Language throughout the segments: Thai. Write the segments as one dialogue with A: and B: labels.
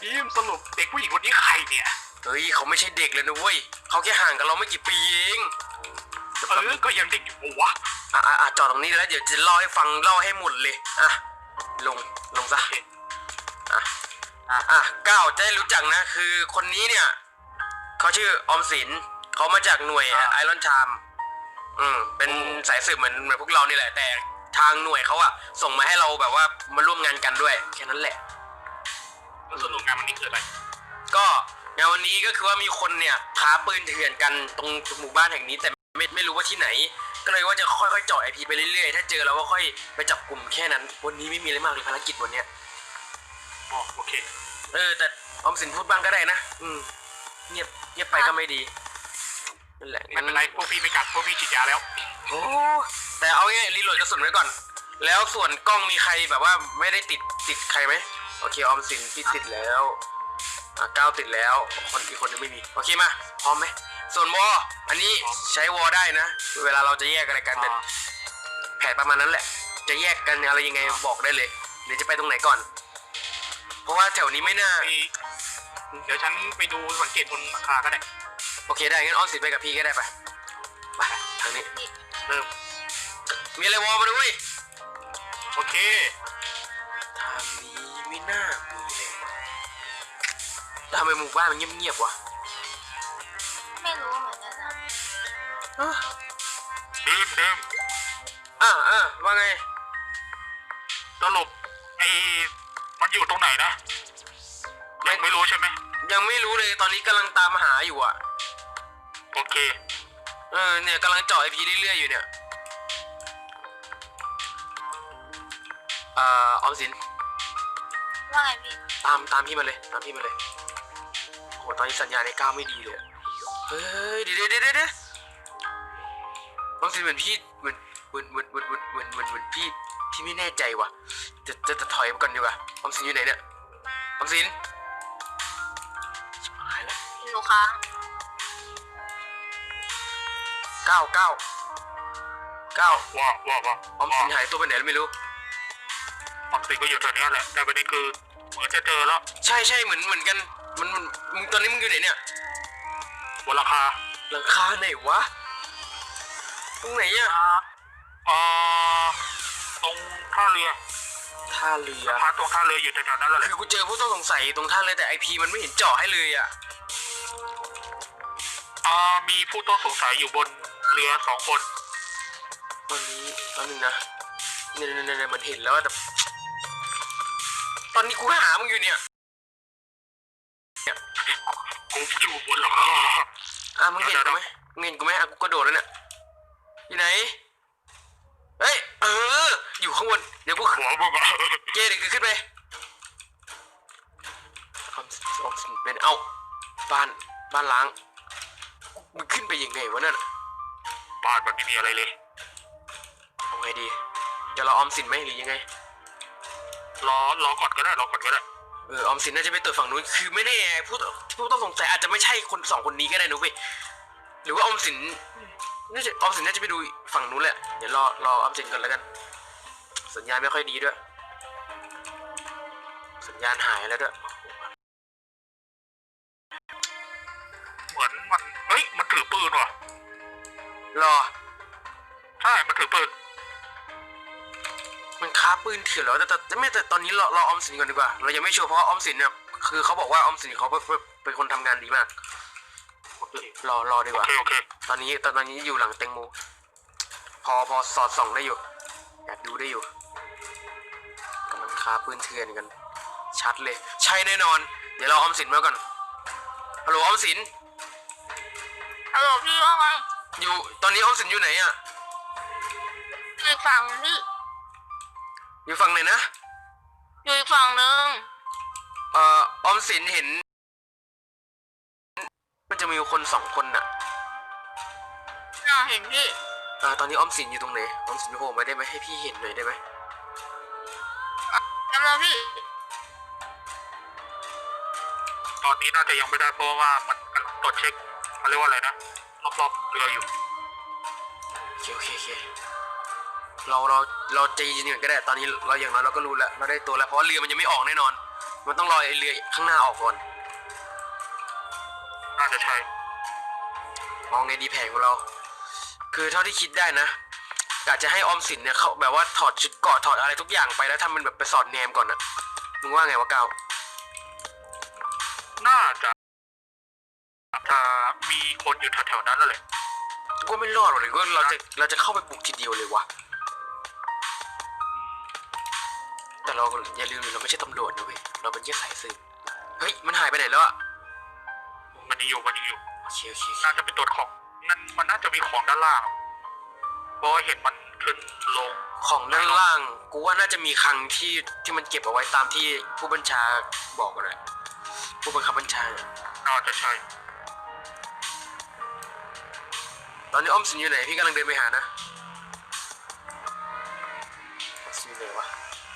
A: ทีมสรุปเด็กผู้หญิงคนนี้ใครเนี่ย
B: เฮ้ยเขาไม่ใช่เด็กเลยนะเว้ยเขาแค่ห่างกับเราไม่กี่ปีเอง
A: ก็ยังเด็กอยู่วะ
B: จอดตรงนี้แล้วเดี๋ยวจะเล่าให้ฟังเล่าให้หมดเลยลงซะก้าวจะได้รู้จักนะคือคนนี้เนี่ยเขาชื่อออมสินเขามาจากหน่วยไอรอนไทม์เป็นสายสืบเหมือนพวกเรานี่แหละแต่ทางหน่วยเขาอะส่งมาให้เราแบบว่ามาร่วมงานกันด้วยแค่นั้นแหละ
A: ส่วนงานวันนี้คืออะไร
B: ก็งานวันนี้ก็คือว่ามีคนเนี่ยค้าปืนเถื่อนกันตรงหมู่บ้านแห่งนี้แต่ไม่รู้ว่าที่ไหนก็เลยว่าจะค่อยๆเจาะไอพีไปเรื่อยๆถ้าเจอเราก็ค่อยไปจับกลุ่มแค่นั้นวันนี้ไม่มีอะไรมากเลยภารกิจวันเนี้ย
A: โอเค
B: แต่ออมสินพูดบ้างก็ได้นะเงียบไปก็ไม่ดีนั่นแหละ
A: ไม่เป็นไรพวกพี่ไม่กัดพวกพี่ฉีดยาแล้ว
B: โอ้แต่เอาง่ายรีโหลดกระสุนไว้ก่อนแล้วส่วนกล้องมีใครแบบว่าไม่ได้ติดใครไหมโอเคออมสินพี่ติดแล้วก้าวติดแล้วอีกคนนึงไม่มีโอเคมาพร้อมไหมส่วนวออันนี้ใช้วอได้นะเวลาเราจะแยกอะไรกันเป็นแผนประมาณนั้นแหละจะแยกกันอะไรยังไงบอกได้เลยเดี๋ยวจะไปตรงไหนก่อนเพราะว่าแถวนี้ไม่น่า
A: เดี๋ยวฉันไปดูสังเกตบนราคาก็ได้
B: โอเคได้งั้นออมสินไปกับพี่ก็ได้ไปทางนี้
A: เริ่ม
B: มีอะไรวอมาด้วย
A: โอเค
B: ทางนี้ไม่น่ามีเลยทำไมหมู่บ้านมันเงียบวะ
C: ไม่รู้เหมือนกันนะ
A: ดิม
B: ว่าไง
A: สรุปมันอยู่ตรงไหนนะยังไม่รู้ใช่ไหม
B: ยังไม่รู้เลยตอนนี้กำลังตามหาอยู่อ่ะ
A: โอเค
B: เนี่ยกำลังเจาะไอพีเรื่อยๆอยู่เนี่ยออมสิน
C: ว่าไงพี่
B: ตามพี่มาเลยโหตอนนี้สัญญาณในก้าวไม่ดีเลยเฮ้ยเดี๋ยวออมสินเหมือนพี่เหมือนพี่ไม่แน่ใจว่ะจะถอยไปก่อนดีกว่าออมสินอยู่ไหนเนี่ยออมสินหายแล้ว
C: หนูค้าง
B: ก้าว
A: ว่า
B: ออมสินหายตัวไปไหนแล้วไม่รู้
A: ออมสินก็อยู่แถวนี้แหละแต่ประเด็นคือเหมือนจะเจอแล้ว
B: ใช่เหมือนกันมันมึงตอนนี้มึงอยู่ไหนเนี่ย
A: บนหลังคา
B: ไหนวะตรงไหนอ่ะ
A: ตรงท่าเรือพาตรงท่าเรืออยู่แถวๆนั้นแหละ
B: คือกูเจอผู้ต้องสงสัยตรงท่าเรือแต่ไอพีมันไม่เห็นเจาะให้เลยอ่ะ
A: มีผู้ต้องสงสัยอยู่บนเรือ2 คน
B: ตอนนึงนะเนี่ยมันเห็นแล้วแต่ตอนนี้กูหามึงอยู่เนี่ย
A: กูอยู่บนหลังคา
B: มึงเห็นกูไหมกูกระโดดแล้วเนี่ยอยู่ไหนเฮ้ยอยู่ข้างบนเดี๋ยวกู
A: หัวมึง
B: เดี๋ยวขึ้นไปออมสินเป็นบ้านล้างมึงขึ้นไปยังไงวะนั่น
A: บ้านมันไม่มีอะไรเลย
B: เอาไงดีจะรอออมสินไหมหรือยังไง
A: รอก่อนก็ได้
B: ออมสินน่าจะไปตรวจฝั่งนู้นคือไม่แน่ผู้ต้องสงสัยอาจจะไม่ใช่2 คนนี้ก็ได้นุ๊กหรือว่าออมสินน่าจะไปดูฝั่งนู้นแหละเดี๋ยวรอออมสินก่อนแล้วกันสัญญาณไม่ค่อยดีด้วยสัญญาณหายแล้วด้วย
A: เหมือนมันถือปืนว่ะใช่มันถือปืน
B: มันค้าปืนเถื่อนแล้วแต่ตอนนี้รอออมสินก่อนดีกว่าเรายังไม่ชัวร์เพราะออมสินเนี่ยคือเขาบอกว่าออมสินเขาเป็นคนทำงานดีมากรอดีกว่า
A: โอเค
B: ตอนนี้อยู่หลังเต็งโมพอสอดส่องได้อยู่แอบดูได้อยู่กำลังค้าปืนเถื่อนกันชัดเลยใช่แน่นอนเดี๋ยวเราออมสินมาก่อนฮัลโหลออมสิน
C: ฮัลโหลพี่ว่าไง
B: อยู่ตอนนี้ออมสินอยู่ไหนอ่ะ
C: อีกฝั่งพี่
B: อยู่ฝั่งไหนนะ
C: อยู่อีกฝั่งนึง
B: ออมสินเห็นมันจะมีคน2 คนน่ะ
C: เห็นพี่
B: ตอนนี้ออมสินอยู่ตรงไหนออมสินโผล่มาได้ไหมให้พี่เห็นหน่อยได้ไหม
C: จำได้พี่
A: ตอนนี้น่าจะยังไม่ได้เพราะว่ามันตรวจเช็คเขาเรียกว่าอะไรนะรอบเรืออยู่
B: โอเคเราใจเย็นๆก็ได้ตอนนี้เราอย่างน้อยเราก็รู้แล้วเราได้ตัวแล้วเพราะว่าเรือมันยังไม่ออกแน่นอนมันต้องรอไอ้เรือข้างหน้าออกก่อน
A: น่าจะใช่
B: มองไงดีแผนของเรา คือเท่าที่คิดได้นะกะจะให้ออมสินเนี่ยเขาแบบว่าถอดชุดเกราะถอดอะไรทุกอย่างไปแล้วทำมันแบบไปสอดแนมก่อนนะมึงว่าไงวะก้าว
A: น่าจะมีคนอยู่แถวๆนั้นแล้วแหละ
B: ก็ไม่รอดหรอกเลยก็เราจะเข้าไปบุกทีเดียวเลยวะแต่เราอย่าลืมเราไม่ใช่ตำรวจนะเว้ยเราเป็นแค่สายสืบเฮ้ยมันหายไปไหนแล้วอะ
A: มันยังอยู่
B: โอเคโอเคโอเค
A: น่าจะเป็นตัวของนั่นมันน่าจะมีของด้านล่างเพราะว่าเห็นมันขึ้นลง
B: ของด้านล่างกูว่าน่าจะมีคลังที่มันเก็บเอาไว้ตามที่ผู้บัญชาบอกกันเลยผู้บังคับบัญชา
A: น่าจะใช่
B: ตอนนี้อ้อมสินอยู่ไหนพี่กำลังเดินไปหานะอ้อมสินอยู่ไหนวะ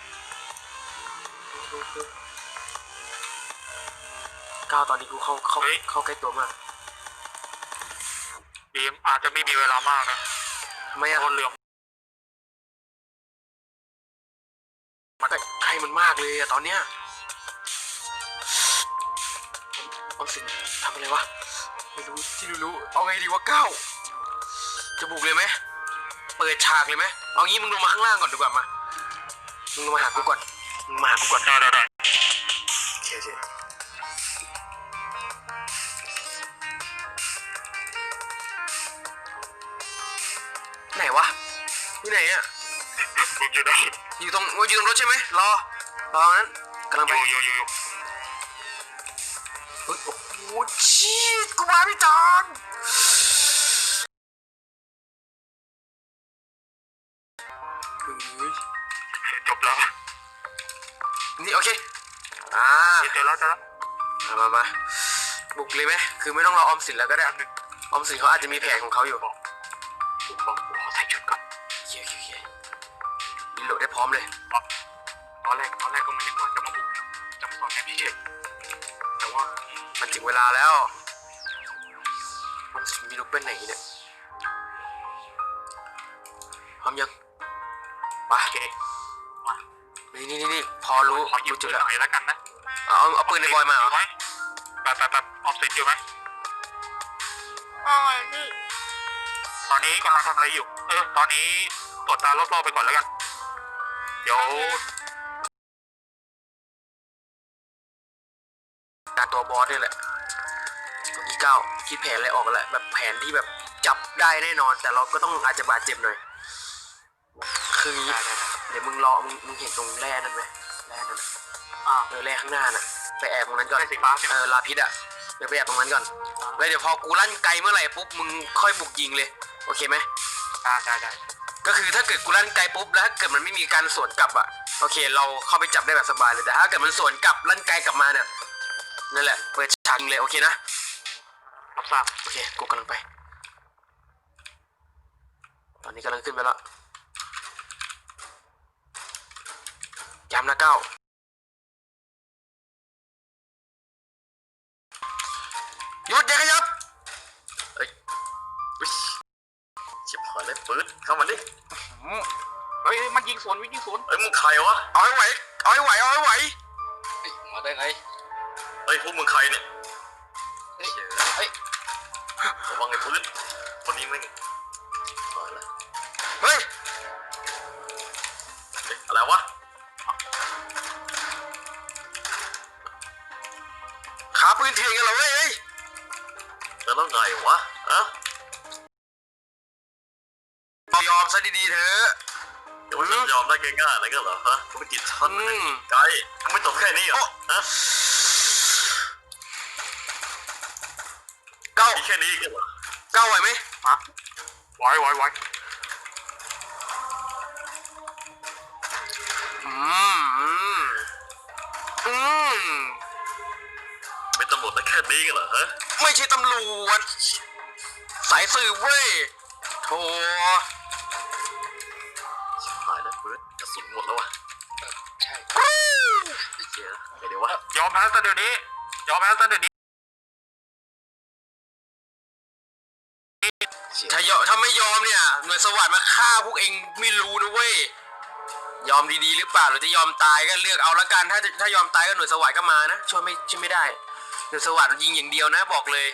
B: ก้าวตอนนี้กูเข้าใกล้ตัวมาก
A: ดีมอาจจะไม่มีเวลามากนะ
B: ทำไม
A: เพ
B: อะ
A: ราะเรือ
B: ใครมันมากเลยอะตอนเนี้ยออมสินทำอะไรวะไม่รู้ที่รู้เอาไงดีวะก้าวจะบุกเลยไหมเปิดฉากเลยไหมเอางี้มึงลงมาข้างล่างก่อนดีกว่ามามึงลงมาหากูก่อนมึงมาหากูก่อน
A: ได้
B: โอเคโอเคไหนวะที่ไหนอะ
A: มึงจะได้
B: อยู่ตรงรถใช่ไหมรองั้นกำลังไป
A: อยู่
B: เฮ้ยโอ้โหชีดกูมาไม่ทันเฮ้ย
A: จบแล้ว
B: นี่โอเค
A: เจอแล้ว
B: มาบุกเลยไหมคือไม่ต้องรอออมสินแล้วก็ได้ออมสินเขาอาจจะมีแผนของเขาอยู่
A: บอกขอใส่ชุดก่อน
B: โอเครีโหลดได้พร้อมเลย
A: ตอนแรกก็ไม่คิดว่าจะมาบุกจะมาสอนแค่พี่เฉยแต่ว่า
B: มันถึงเวลาแล้วออมสินมีลูกเป็นไหนเนี่ยพร้อมยังไป
A: โอเค
B: นี่พอรู้
A: ขอหยิบ
B: จุ
A: จุ
B: ด
A: ด
B: แล้ว
A: หน่อยแล้วกันนะ
B: เอาปืนในบอยมาเหรอ
A: ไหมแป๊บออฟเซ็ตอยู่ไหม
C: ว่าไงพี่
A: ตอนนี้กำลังทำอะไรอยู่ตอนนี้ตรวจตารอบๆไปก่อนแล้วกันเดี๋ยว
B: การตัวบอสนี่แหละตัวที่9คิดแผนอะไรออกแล้วแบบแผนที่แบบจับได้แน่นอน แต่เราก็ต้องอาจจะบาดเจ็บหน่อยคืองี้เดี๋ยวมึงรอมึงเห็นตรงแร่นั่นไหมแร่นั่นแร่ข้างหน้าน่ะไปแอบตรงนั้นก่อน
A: สีฟ้าใช่ไหม
B: ลาพิษอ่ะเดี๋ยวไปแอบตรงนั้นก่อนแล้วเดี๋ยวพอกูลั่นไกลเมื่อไหร่ปุ๊บมึงค่อยบุกยิงเลยโอเคไหม
A: ได้
B: ก็คือถ้าเกิดกูลั่นไกลปุ๊บแล้วถ้าเกิดมันไม่มีการสวนกลับอ่ะโอเคเราเข้าไปจับได้แบบสบายเลยแต่ถ้าเกิดมันสวนกลับลั่นไกลกลับมาเนี่ยนั่นแหละเปิดฉากยิงเลยโอเคนะ
A: รับทราบ
B: โอเคกูกำลังไปตอนนี้กำลังขึ้นไปแล้วย้ำนะก้าวหยุดอย่าขยับ
D: เฮ้ยชิบหายเลยปืนเข้ามาดิ
A: เฮ้ยมันยิงสวน
D: เอ้ยมึงใครวะ
B: เอาให้ไหวเอาให้ไหว
D: เฮ้ยมาได้ไงเฮ้ยพวกมึงใครเนี่ยเฮ้ยระวังไอ้ปืนคนนี้ไม่ตายละ
B: เฮ้ย
D: เฮ้ยอะไรวะ
B: ขาปืนเถื่อนกันเหรอเว้ย
D: แล้วไงวะฮะ
B: ยอมซะดีๆเถอะ
D: เดี๋ยวมันยอมได้ง่ายๆอะไรกันเหรอฮะกูไม่ติดชั้นไกลมึงไม่จบแค่นี้เหรอฮะ
B: เก้า
D: มีแค่นี้กันเหรอ
B: ไหวไหม
A: ไว้
B: อืม
D: เป็นตำรวจแต่แค่นี้กันเหรอฮะ
B: ไม่ใช่ตำรวจสายสืบเว้ยโธ่
D: ชิบหายแล้วปืนกระสุนหมดแล้ววะ
B: ใช่
D: ไอ้เหี้ยไงเดี๋ยววะ
A: ยอมแพ้ซะเดี๋ยวนี้
B: ถ้าไม่ยอมเนี่ยหน่วยสวัสดิ์มาฆ่าพวกเองไม่รู้นะเว้ยยอมดีๆหรือเปล่าหรือจะยอมตายก็เลือกเอาละกันถ้ายอมตายก็หน่วยสวัสดิ์ก็มานะช่วยไม่ได้หน่วยสวัสดิ์ยิงอย่างเดียวนะบอกเลย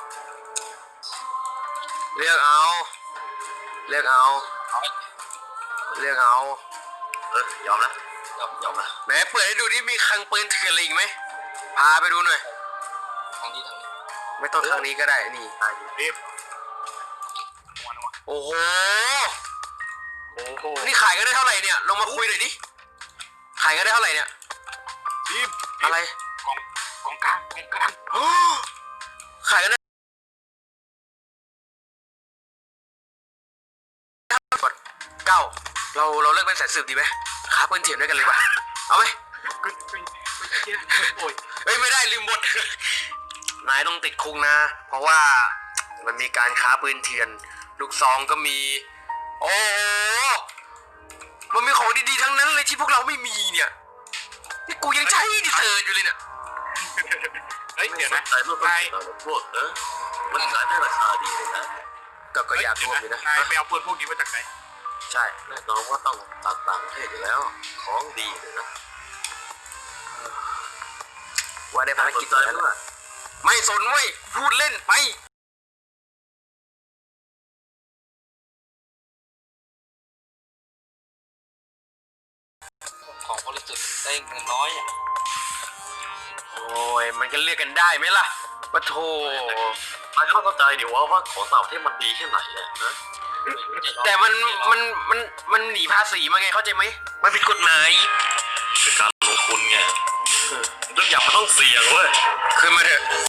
B: เลือกเอาเลือกเอาเลือกเอา
D: ยอมนะยอมนะ
B: ไหนเปิดให้ดูดิมีคลังปืนเถื่อนอะไรอีกไหมพาไปดูหน่อย
D: ทางนี้
B: ไม่ต้องทางนี้ก็ได้นี่
A: รีบนัวนัว
B: โอ้โห
A: โอ้โห
B: นี่ขายกันได้เท่าไหร่เนี่ยลงมาคุยหน่อยดิขายกันได้เท่าไหร่เนี่ย
A: รีบ
B: อะไร
A: กองกลาง
B: ขายกันได้เก้าเราเลิกเป็นสายสืบดีไหมค้าปืนเถื่อนด้วยกันเลยป่ะเอาไหม
A: โอ้ย
B: เฮ้ยไม่ได้ลืมบท นายต้องติดคุกนะ เพราะว่ามันมีการค้าปืนเถื่อนลูกซองก็มี โอ้มันมีของดีๆทั้งนั้นเลยที่พวกเราไม่มีเนี่ยนี่กูยังใช้ดิเซอร์อยู่เลยเนี่ย
A: เฮ้ยเดี๋ยวนะ
D: ขายรูปนายพวกมันขายได้ราคาดีเลยนะ
B: ก็อยากรวมอยู่นะ
A: นายไปเอาปืนพวกนี้มาจากไหน
B: ใช่
D: แน่นอนว่าต้องต่างประเทศอยู่แล้วของดีเลยนะ
B: ว่าได้ภาร
D: ส
B: กิ
D: น
B: จ
D: ใจ
B: แล้ว
D: ว่า
B: ไม่สนเว้ยพูดเล่นไป
D: ของบริสุทธิ์ได้เงินน้อยอ่ะ
B: โอ้ยมันก็เลือกกันได้ไหมล่ะปะโถ
D: นายเข้าใจดิว่าของต่างประเทศมันดีแค่ไหนอะนะ
B: แต่มันหนีภาษีมาไงเข้าใจไหมมันผิดกฎหมาย
D: เป็นการลงทุนไงทุกอย่างมันต้องเสี่ยงเว้ย
B: ขึ้นมาเถอะ